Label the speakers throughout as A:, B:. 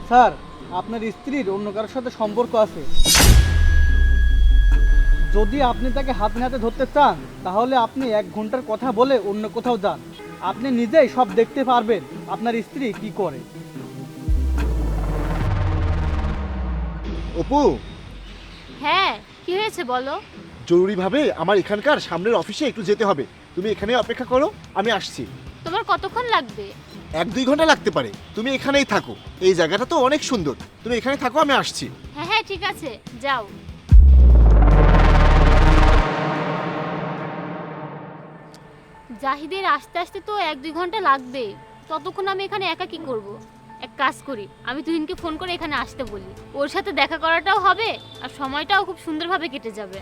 A: Sir, আপনার স্ত্রীর অন্য কারোর সাথে সম্পর্ক আছে। যদি আপনি তাকে হাতে নাতে ধরতে চান তাহলে আপনি 1 ঘন্টার কথা বলে অন্য কোথাও যান। আপনি নিজেই সব দেখতে পারবেন আপনার স্ত্রী কি করে।
B: অপু,
C: হ্যাঁ, কি হয়েছে বলো?
B: জরুরিভাবে আমার এখানকার সামনের অফিসে একটু যেতে হবে। তুমি এখানে অপেক্ষা করো, আমি আসছি।
C: তোমার কতক্ষণ লাগবে?
B: 1-2 ঘন্টা লাগতে পারে। তুমি এখানেই থাকো, এই জায়গাটা তো অনেক সুন্দর। তুমি এখানে থাকো, আমি আসছি।
C: হ্যাঁ হ্যাঁ, ঠিক আছে, যাও। জাহিদের আসতে আসতে তো 1-2 ঘন্টা লাগবে। ততক্ষণ আমি এখানে একা কি করব? এক কাজ করি, আমি তুহিনকে ফোন করে এখানে আসতে বলি। ওর সাথে দেখা করাটাও হবে আর সময়টাও খুব সুন্দরভাবে কেটে যাবে।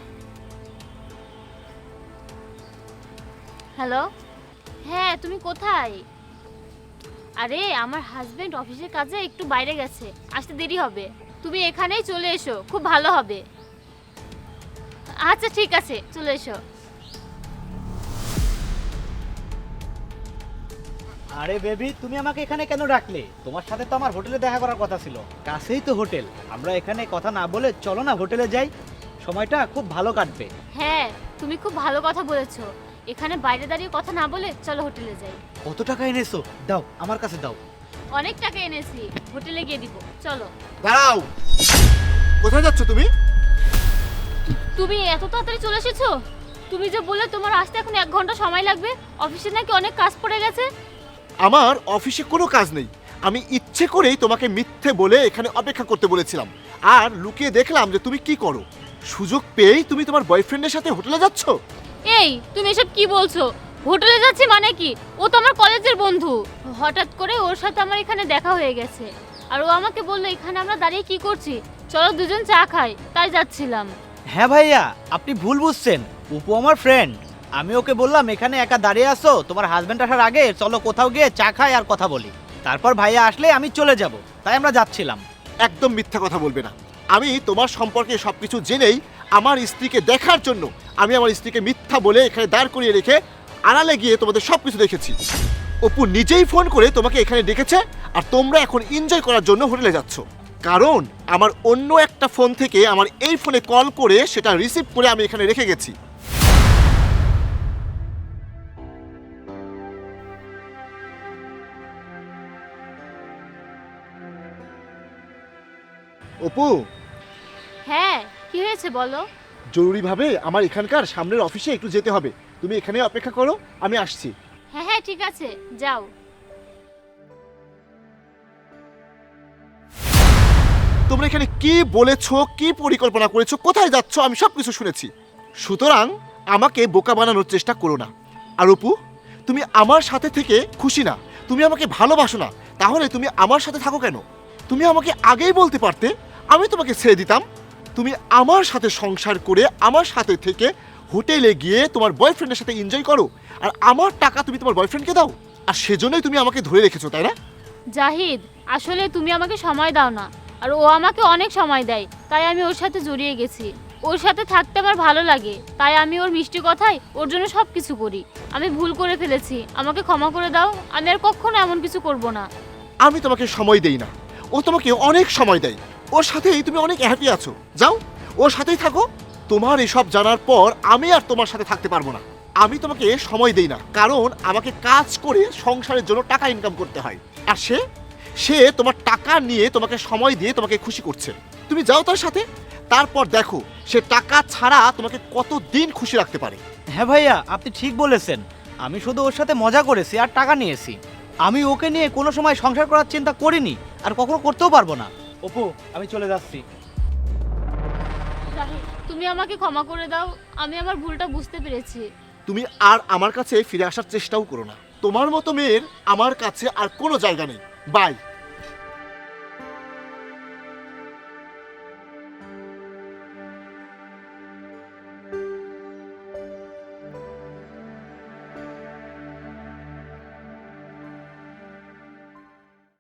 C: হ্যালো, হ্যাঁ তুমি কোথায়? আরে আমার হাজবেন্ড অফিসের কাজে একটু বাইরে গেছে, আসতে দেরি হবে। তুমি এখানেই চলে এসো, খুব ভালো হবে। আচ্ছা ঠিক আছে, চলে এসো।
D: আরে বেবি, তুমি আমাকে এখানে কেন ডাকলে? তোমার সাথে তো আমার হোটেলে দেখা করার কথা ছিল। কাছেই তো হোটেল। আমরা এখানে কথা না বলে চলো না হোটেলে যাই, সময়টা খুব ভালো কাটবে।
C: হ্যাঁ, তুমি খুব ভালো কথা বলেছো। এখানে বাইরে দাঁড়িয়ে কথা না বলে চলো হোটেলে যাই।
D: কত টাকা এনেছো? দাও, আমার কাছে দাও।
C: অনেক টাকা এনেছি, হোটেলে গিয়ে দিব, চলো।
B: দাঁড়াও, কোথায় যাচ্ছ তুমি?
C: তুমি এত তাড়াতাড়ি চলে এসেছো? তুমি যে বললে তোমার আসতে এখন 1 ঘন্টা সময় লাগবে, অফিসে নাকি অনেক কাজ পড়ে গেছে।
B: আমার অফিসে কোনো কাজ নেই। আমি ইচ্ছে করেই তোমাকে মিথ্যে বলে এখানে অপেক্ষা করতে বলেছিলাম, আর লুকিয়ে দেখলাম যে তুমি কি করো। সুযোগ পেয়েই তুমি তোমার বয়ফ্রেন্ডের সাথে হোটেলে যাচ্ছ।
C: এই তুমি এসব কি বলছো? হোটেলে যাচ্ছি মানে কি? ও তো আমার কলেজের বন্ধু। হঠাৎ করে ওর সাথে আমার এখানে দেখা হয়ে গেছে, আর ও আমাকে বললো এখানে আমরা দাঁড়িয়ে কি করছি, চলো দুজন চা খাই, তাই যাচ্ছিলাম।
D: হ্যাঁ ভাইয়া, আপনি ভুল বুঝছেন। উপু আমার ফ্রেন্ড। আমি ওকে বললাম এখানে একা দাঁড়িয়ে আছো, তোমার হাজবেন্ড আসার আগে চলো কোথাও গিয়ে চা খাই আর কথা বলি। তারপর ভাইয়া আসলে আমি চলে যাব, তাই আমরা যাচ্ছিলাম।
B: একদম মিথ্যা কথা বলবে না। আমি তোমার সম্পর্কে সবকিছু জেনেই আমার স্ত্রীকে দেখার জন্য আমি আমার স্ত্রীকে মিথ্যা বলে এখানে দাঁড় করিয়ে রেখে আড়ালে গিয়ে তোমাদের সবকিছু দেখেছি। অপু নিজেই ফোন করে তোমাকে এখানে ডেকেছে, আর তোমরা এখন এনজয় করার জন্য হোটেলে যাচ্ছ। কারণ আমার অন্য একটা ফোন থেকে আমার এই ফোনে কল করে সেটা রিসিভ করে আমি এখানে রেখে গেছি। অপু,
C: হ্যাঁ, কি হয়েছে বলো?
B: জরুরিভাবে আমার এখানকার সামনের অফিসে একটু যেতে হবে। তুমি এখানে অপেক্ষা করো, আমি আসছি।
C: হ্যাঁ হ্যাঁ, ঠিক আছে, যাও।
B: তোমরা এখানে কি বলেছো, কি পরিকল্পনা করেছো, কোথায় যাচ্ছ, আমি সবকিছু শুনেছি। সুতরাং আমাকে বোকা বানানোর চেষ্টা করো না। আর অপু, তুমি আমার সাথে থেকে খুশি না, তুমি আমাকে ভালোবাসো না, তাহলে তুমি আমার সাথে থাকো কেন? তুমি আমাকে আগেই বলতে পারতে, আমি তোমাকে ছেড়ে দিতাম। তুমি আমার সাথে সংসার করে আমার সাথে থেকে হোটেলে গিয়ে তোমার বয়ফ্রেন্ডের সাথে এনজয় করো, আর আমার টাকা তুমি তোমার বয়ফ্রেন্ডকে দাও, আর সেজন্যই তুমি আমাকে ধরে রেখেছো, তাই না?
C: জাহিদ, আসলে তুমি আমাকে সময় দাও না, আর ও আমাকে অনেক সময় দেয়, তাই আমি ওর সাথে জড়িয়ে গেছি। ওর সাথে থাকতে আমার ভালো লাগে, তাই আমি ওর মিষ্টি কথায় ওর জন্য সব কিছু করি। আমি ভুল করে ফেলেছি, আমাকে ক্ষমা করে দাও। আমি আর কখনো এমন কিছু করব না।
B: আমি তোমাকে সময় দেই না, ও তোমাকে অনেক সময় দেয়। ওর সাথেই তুমি অনেক হ্যাপি আছো, যাও ওর সাথেই থাকো। তোমার এসব জানার পর আমি আর তোমার সাথে থাকতে পারবো না। আমি তোমাকে সময় দেই না, কারণ আমাকে কাজ করে সংসারের জন্য টাকা ইনকাম করতে হয়, আর সে সে তোমার টাকা নিয়ে তোমাকে সময় দিয়ে তোমাকে খুশি করছে। তুমি যাও তার সাথে, তারপর দেখো সে টাকা ছাড়া তোমাকে কতদিন খুশি রাখতে পারে।
D: হ্যাঁ ভাইয়া, আপনি ঠিক বলেছেন। আমি শুধু ওর সাথে মজা করেছি আর টাকা নিয়েছি। আমি ওকে নিয়ে কোনো সময় সংসার করার চিন্তা করিনি, আর কখনো করতেও পারবো না। অপু, আমি চলে যাচ্ছি।
C: জাহিদ, তুমি আমাকে ক্ষমা করে দাও, আমি আমার ভুলটা বুঝতে পেরেছি।
B: তুমি আর আমার কাছে ফিরে আসার চেষ্টাও করো না। তোমার মতো মেয়ের আমার কাছে আর কোনো জায়গা নেই। বাই।